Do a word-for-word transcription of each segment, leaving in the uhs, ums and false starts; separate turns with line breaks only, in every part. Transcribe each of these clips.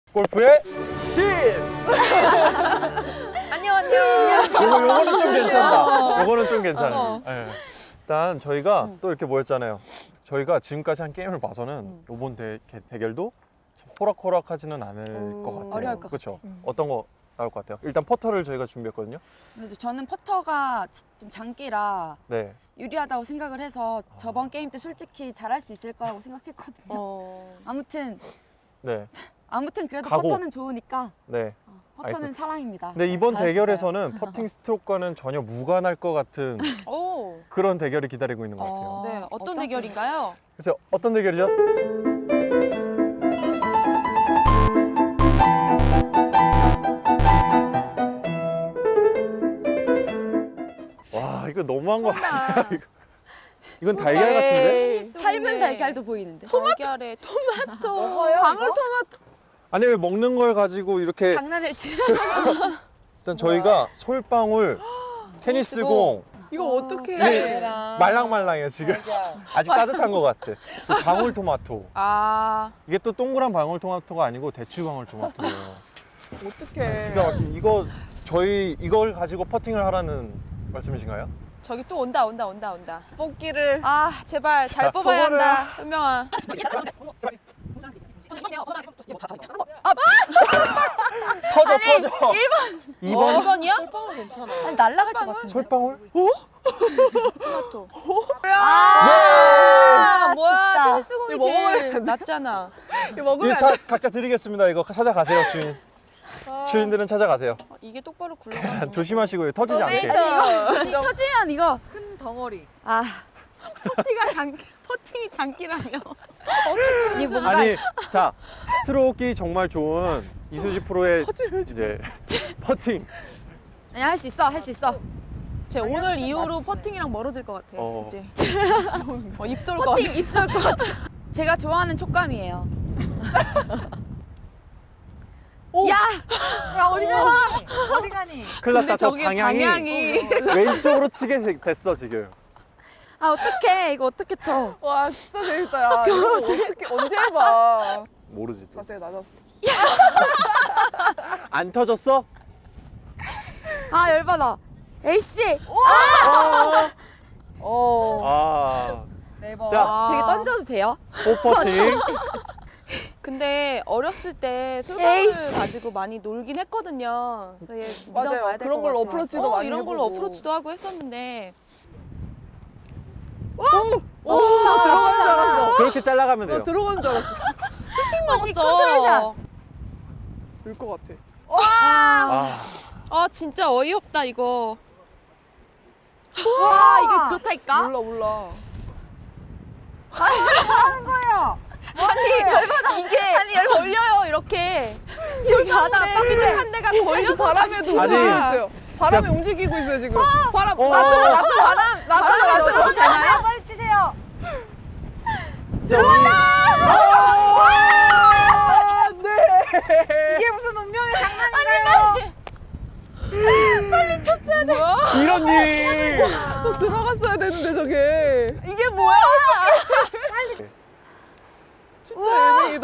골프의 신!
안녕 안녕.
요거, 요거는 좀 괜찮다. 요거는 좀 괜찮아요. 네. 일단 저희가
응.
또 이렇게 모였잖아요. 저희가 지금까지 한 게임을 봐서는
응.
요번 대, 개- 대결도 참 호락호락하지는 않을
음,
것 같아요.
어려울 것
그렇죠?
응.
어떤 거 나올 것 같아요? 일단 퍼터를 저희가 준비했거든요.
근데 저는 퍼터가 지- 좀 장기라
네.
유리하다고 생각을 해서 저번 게임 때 솔직히 잘할 수 있을 거라고 생각했거든요.
어.
아무튼
네.
아무튼 그래도
각오.
퍼터는 좋으니까
네.
어, 퍼터는
알겠습니다.
사랑입니다.
근데 이번
잘했어요.
대결에서는 퍼팅 스트로크와는 전혀 무관할 것 같은
오.
그런 대결이 기다리고 있는 것 같아요.
어,
네. 어떤
어떤
대결인가요?
그래서 어떤 대결이죠? 와 이거 너무한 거 아니야? 이거. 이건 달걀 같은데?
삶은 달걀도 보이는데.
달걀에 토마토.
먹어요,
방울토마토.
아니 왜 먹는 걸 가지고 이렇게
장난을 치.
일단 저희가 솔방울, 테니스공
이거 어떻게?
이게 말랑말랑해요 지금. 아직 따뜻한 것 같아. 그 방울토마토.
아.
이게 또 동그란 방울토마토가 아니고 대추 방울토마토예요.
어떻게?
기가 막힌 이거 저희 이걸 가지고 퍼팅을 하라는 말씀이신가요?
저기 또 온다 온다 온다 온다. 뽑기를. 아 제발 잘
자,
뽑아야
저거를-
한다. 현명아.
터져 터져. 일 번.
이 번이요?
솔방울 괜찮아.
아니 날라갈 것 같은데.
솔방울?
토마토.
아,
아 뭐야?
진짜.
테니스공이 제일 낫잖아.
이거 자, 각자 드리겠습니다. 이거 찾아가세요 주인. 주인들은 찾아가세요.
어, 이게 똑바로 굴러가는.
조심하시고요. 터지지 않게.
아니, 터지면 이거
큰 덩어리.
아
퍼팅가 장 퍼팅이 장기라며.
이 뭔가
아니 자 스트로크가 정말 좋은 이수지 프로의 이제 퍼팅.
아니 할 수 있어 할 수 있어.
제 오늘 이후로 퍼팅이랑 멀어질 것 같아.
어.
이제. 어, 입술 것 같아.
퍼팅 입술 것 같아. 제가 좋아하는 촉감이에요. 야!
야 어디 가니? 어디 가니?
큰일
근데
났다. 저
저게
방향이,
방향이.
왼쪽으로 치게 되- 됐어 지금.
아 어떡해 이거 어떻게 쳐?
와 진짜 재밌다. 야. 이거 어떻게 언제 해봐.
모르지 또.
자세가 낮았어.
안 터졌어?
아 열받아. 에이씨.
어.
아.
네 번.
자.
저기 던져도 돼요?
포퍼팅.
근데 어렸을 때 솔방울
에이씨.
가지고 많이 놀긴 했거든요. 그래서 얘
맞아요.
믿어봐야 될
그런
것
걸로
같아요.
어프로치도
어,
많이
이런 걸로
해보고.
어프로치도 하고 했었는데.
오, 들어가는 줄 알았어.
그렇게 잘라가면 돼요.
나 들어가는 줄 알았어.
핑
컨트롤샷.
먹었어.
될 것 같아.
아.
아 진짜 어이없다 이거.
와 이게 그렇다니까?
몰라 몰라.
하는 거예요.
아니 열받아 이게 아니 열 걸려요 이렇게.
여기 하다가
솔방울에 삐죽한 데가 걸려서
바람에도
다시
아니.
움직이고 있어요. 바람이 움직이고 있어요 지금. 바람.
어.
바람 바람에 넣어도 되나요?
아, 빨리 치세요.
들어간다.
이게 무슨 운명의 장난인가요?
뭐야?
이런 일.
또 들어갔어야 되는데 저게.
이게 뭐야?
진짜 애매이다.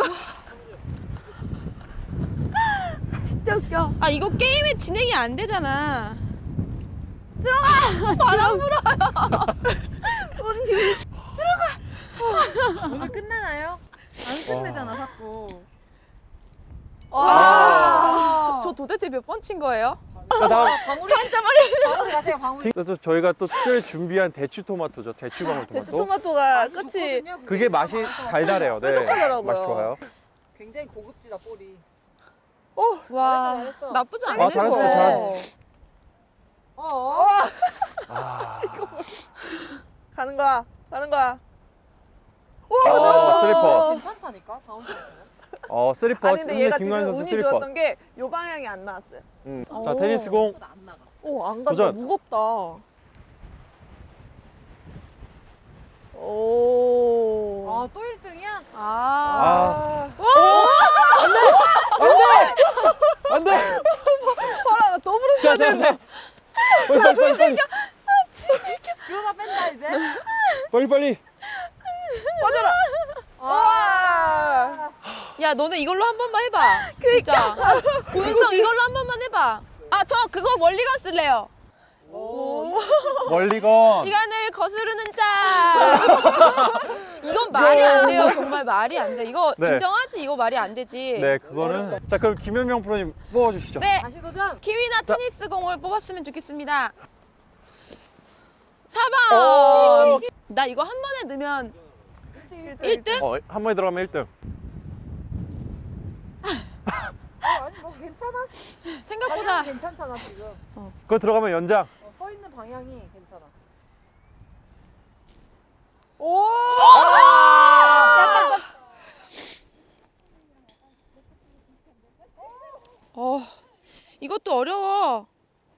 진짜 웃겨.
아 이거 게임이 진행이 안 되잖아.
오늘 끝나나요? 안 끝내잖아 자꾸.
아.
저, 저 도대체 몇 번 친 거예요?
자, 다음.
방울이 방울이 가세요 방울이.
또 저희가 또 특별히 준비한 대추 토마토죠. 대추 방울 토마토.
토마토가 끝이
좋거든요,
그게 맛이 달달해요. 네.
뾰족하더라고요.
맛이 좋아요.
굉장히 고급지다 볼이.
와
잘했어.
나쁘지 않네.
아, 잘하셨어요, 잘하셨어요.
어. 어.
아.
가는 거야. 가는 거야.
어, 쓰리퍼.
괜찮다니까 방울이.
어, 쓰리퍼.
아니 근데 얘가 지금
김관현 선수
운이
쓰리퍼.
좋았던 게 요 방향이 안 나왔어요.
음. 자, 테니스 공.
안 나가.
오, 안 간다.
도전.
무겁다. 오.
아 또 일 등이야?
아.
아. 안 돼!
봐라, 나 더블을
자, 자, 자. 빨리, 빨리, 빨리, 빨리.
그러다 뺀다 이제.
빨리, 빨리.
빠져라.
아.
야 너네 이걸로 한 번만 해봐. 진짜. 고윤성 이걸로 한 번만 해봐. 아 저 그거 멀리건 쓸래요.
멀리건.
시간을 거스르는 자. 이건 말이 안 돼요. 정말 말이 안 돼. 이거
네.
인정하지? 이거 말이 안 되지.
네, 그거는. 자, 그럼 김현명 프로님 뽑아주시죠.
네.
다시 도전.
키위나 테니스 공을 뽑았으면 좋겠습니다. 사
어.
번. 나 이거 한 번에 넣으면 일 등?
어, 한 번에 들어가면 일 등.
어, 아니 뭐 괜찮아.
생각보다
방향 괜찮잖아 지금.
그거 들어가면 연장.
어, 서 있는 방향이 괜찮아.
오! 어, 이것도 어려워.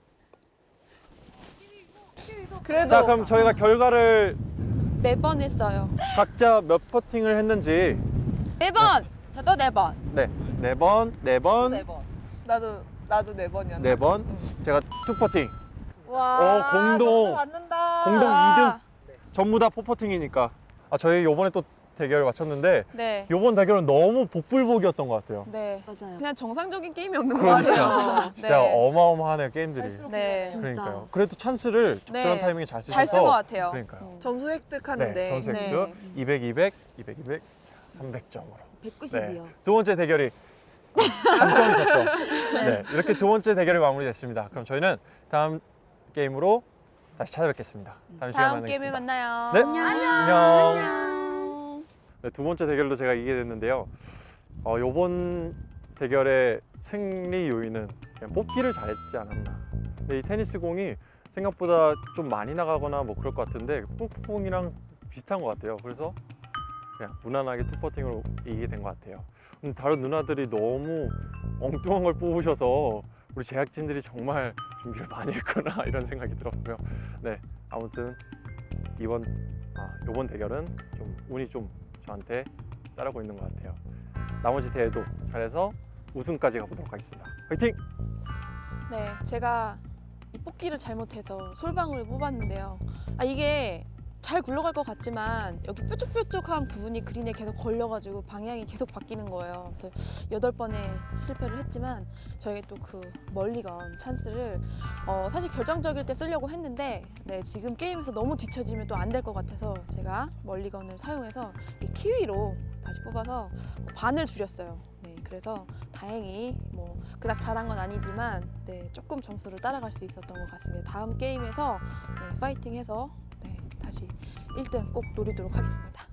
그래도
자, 그럼 저희가 결과를
네 번 했어요.
각자 몇 퍼팅을 했는지.
네 번. 저도 네 번.
네, 네 번, 네 번,
네 번.
나도 나도 네 번이었나?
네 번. 제가 투 퍼팅.
와.
어, 공동.
점수 받는다.
공동
아,
이 등. 전부 다 포퍼팅이니까. 아, 저희 요번에 또 대결 마쳤는데
네.
요번 대결은 너무 복불복이었던 것 같아요.
네.
맞아요.
그냥 정상적인 게임이 없는 것
그러니까
같아요.
진짜
네.
어마어마하네요, 게임들이.
갈수록
네.
기대돼요.
그러니까요. 그래도 찬스를 적절한
네.
타이밍에 잘 쓰셔서
잘 쓴 것 같아요.
그러니까요.
점수 획득하는데
네, 점수
네.
획득 이백, 이백, 이백, 이백, 삼백 점으로.
백구십이요.
네. 두 번째 대결이 삼 점, 사 점. 네, 이렇게 두 번째 대결이 마무리됐습니다. 그럼 저희는 다음 게임으로 다시 찾아뵙겠습니다. 다음 시간에
다음 게임에
만나겠습니다.
만나요.
네, 안녕. 네, 두 번째 대결로 제가 이기게 됐는데요. 어, 요번 대결의 승리 요인은 그냥 뽑기를 잘했지 않았나. 근데 이 테니스 공이 생각보다 좀 많이 나가거나 뭐 그럴 것 같은데 뽕뽕이랑 비슷한 것 같아요. 그래서 그냥 무난하게 투퍼팅으로 이기게 된 것 같아요. 음, 다른 누나들이 너무 엉뚱한 걸 뽑으셔서 우리 제작진들이 정말 준비를 많이 했구나 이런 생각이 들었고요. 네, 아무튼 이번 아, 이번 대결은 좀 운이 좀 저한테 따르고 있는 것 같아요. 나머지 대회도 잘해서 우승까지 가보도록 하겠습니다. 화이팅!
네, 제가 이 뽑기를 잘못해서 솔방울을 뽑았는데요. 아 이게 잘 굴러갈 것 같지만 여기 뾰족뾰족한 부분이 그린에 계속 걸려가지고 방향이 계속 바뀌는 거예요. 그래서 여덟 번에 실패를 했지만 저에게 또 그 멀리건 찬스를 어, 사실 결정적일 때 쓰려고 했는데 네, 지금 게임에서 너무 뒤처지면 또 안 될 것 같아서 제가 멀리건을 사용해서 이 키위로 다시 뽑아서 반을 줄였어요. 네, 그래서 다행히 뭐 그닥 잘한 건 아니지만 네, 조금 점수를 따라갈 수 있었던 것 같습니다. 다음 게임에서 네, 파이팅해서 네, 다시 일 등 꼭 노리도록 하겠습니다.